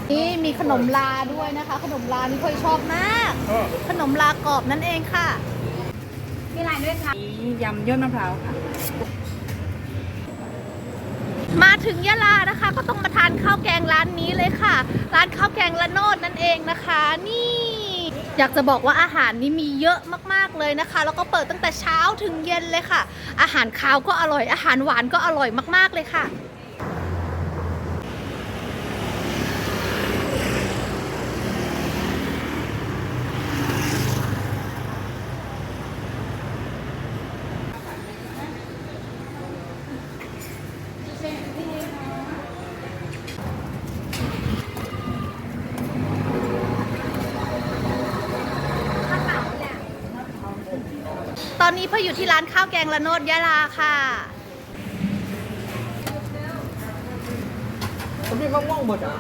นี่มีขนมลาด้วยนะคะ ขนมลานี่ค่อยชอบมาก ขนมลากรอบนั่นเองค่ะมีอะไรด้วยคะยำยอดมะพร้าวค่ะมาถึงยะลานะคะ ก็ต้องมาทานข้าวแกงร้านนี้เลยค่ะ ร้านข้าวแกงละโนดนั่นเองนะคะ นี่ อยากจะบอกว่าอาหารนี้มีเยอะมากๆเลยนะคะ แล้วก็เปิดตั้งแต่เช้าถึงเย็นเลยค่ะ อาหารคาวก็อร่อย อาหารหวานก็อร่อยมากๆเลยค่ะ ตอนนี้พ่ออยู่ที่ร้านข้าวแกงละโนดยะลาค่ะผมมีมะม่วงหมดอ่ะ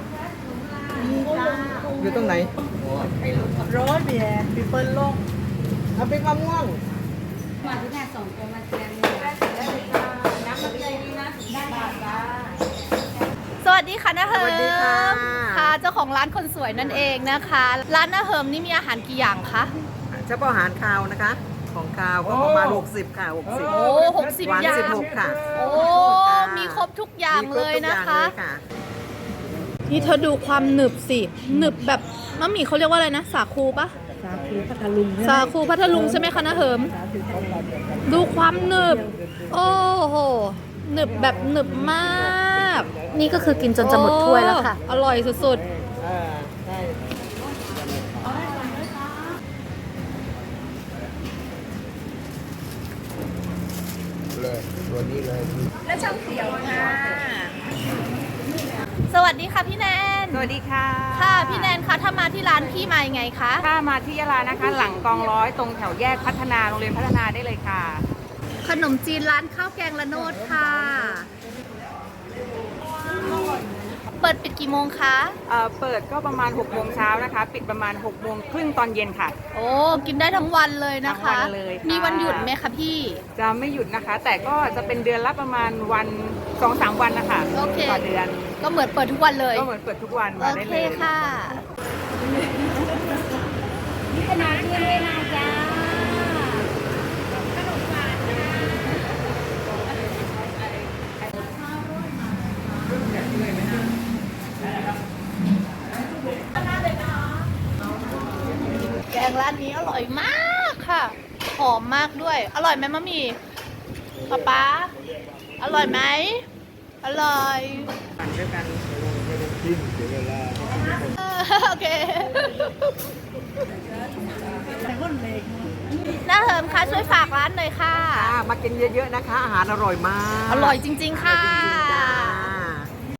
อยู่ตรงไหนโรสเบียร์ปิเปิลโลกเอาเป็นมะม่วงมาที่แม่ส่งตัวมาเชียร์นี่น้ำมันเลยดีนะได้ค่ะสวัสดีค่ะน้าเฮิสวัสดีค่ะมค่ะเจ้าของร้านคนสวยนั่นเองนะคะ ร้านน้าเฮิมนี่มีอาหารกี่อย่างคะเฉพาะอาหารคาวนะคะ ของคาวก็ประมาณ60ค่ะ60 โอ้60 หวานอย่าง 16ค่ะโอ้มีครบทุกอย่างเลยนะคะมีรบทุกอย่างเลยค่ะนี่เธอดูความหนึบสิหนึบแบบมะหมี่เขาเรียกว่าอะไรนะสาคูปะสาคูพัทลุงสาคูพัทลุงใช่ไหมคะน้าเฮิมดูความหนึบโอ้โหหนึบแบบหนึบมากนี่ก็คือกินจนจะหมดถ้วยแล้วค่ะโอ้อร่อยสุดใช่เลยตัวนี้เลยและช่างเขียวค่ะๆ สวัสดีค่ะพี่แนนสวัสดีค่ะค่ะพี่แนนคะถ้ามาที่ร้านพี่มายังไงคะถ้ามาที่ยะลานะคะ หลังกองร้อยตรงแถวแยกพัฒนาโรงเรียนพัฒนาได้เลยค่ะขนมจีนร้านข้าวแกงละโนดค่ะ เปิดปิดกี่โมงคะเปิดก็ประมาณ6โมงเช้านะคะ ปิดประมาณ6โมงครึ่งตอนเย็นค่ะโอ้กินได้ทั้งวันเลยนะคะทั้งวันเลยค่ะมีวันหยุดไหมคะพี่จะไม่หยุดนะคะ แต่ก็จะเป็นเดือนละประมาณวัน 2-3 วันนะคะโอเคต่อเดือนก็เหมือนเปิดทุกวันเลยก็เหมือนเปิดทุกวันโอมาได้เคเลยค่ะนี่ขนาดเที่ยงเลยนะจ๊ะแกงร้านนี้อร่อยมากค่ะ หอมมากด้วย อร่อยไหมมะหมี่ป๊าอร่อยไหม อร่อยด้วยกันจิ้มเสียเวลาโอเคน้าเหิมคะช่วยฝากร้านหน่อยค่ะมากินเยอะๆนะคะ อาหารอร่อยมากอร่อยจริงๆค่ะอร่อยจ